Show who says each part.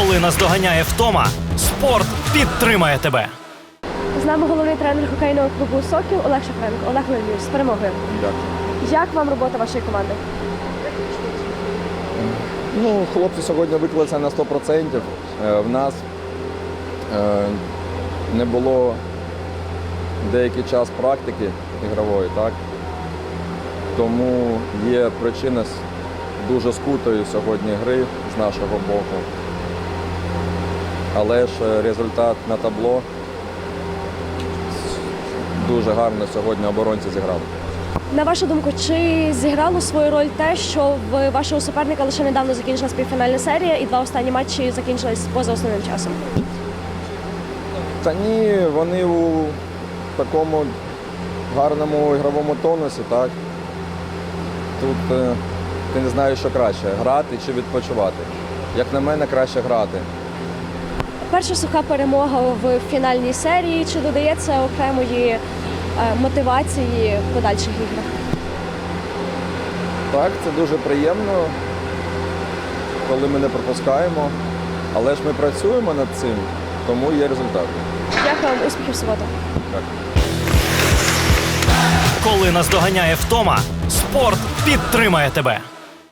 Speaker 1: Коли наздоганяє втома, спорт підтримає тебе.
Speaker 2: З нами головний тренер хокейного клубу «Сокіл» Олег Шафренко. Олег Леонідович, з перемогою.
Speaker 3: Дякую.
Speaker 2: Як вам робота вашої команди?
Speaker 3: Ну, хлопці сьогодні виклалися на 100%. В нас не було деякий час практики ігрової, так? Тому є причина дуже скутої сьогодні гри з нашого боку. Але ж результат на табло дуже гарно сьогодні оборонці зіграли.
Speaker 2: На вашу думку, чи зіграло свою роль те, що в вашого суперника лише недавно закінчилась півфінальна серія і 2 останні матчі закінчились поза основним часом?
Speaker 3: Та ні, вони у такому гарному ігровому тонусі, так? Тут ти не знаєш, що краще – грати чи відпочивати. Як на мене, краще грати.
Speaker 2: Перша суха перемога в фінальній серії. Чи додається окремої мотивації в подальших іграх?
Speaker 3: Так, це дуже приємно, коли ми не пропускаємо. Але ж ми працюємо над цим, тому є результат.
Speaker 2: Дякую вам, успіхів в суботу.
Speaker 3: Так.
Speaker 1: Коли наздоганяє втома, спорт підтримає тебе.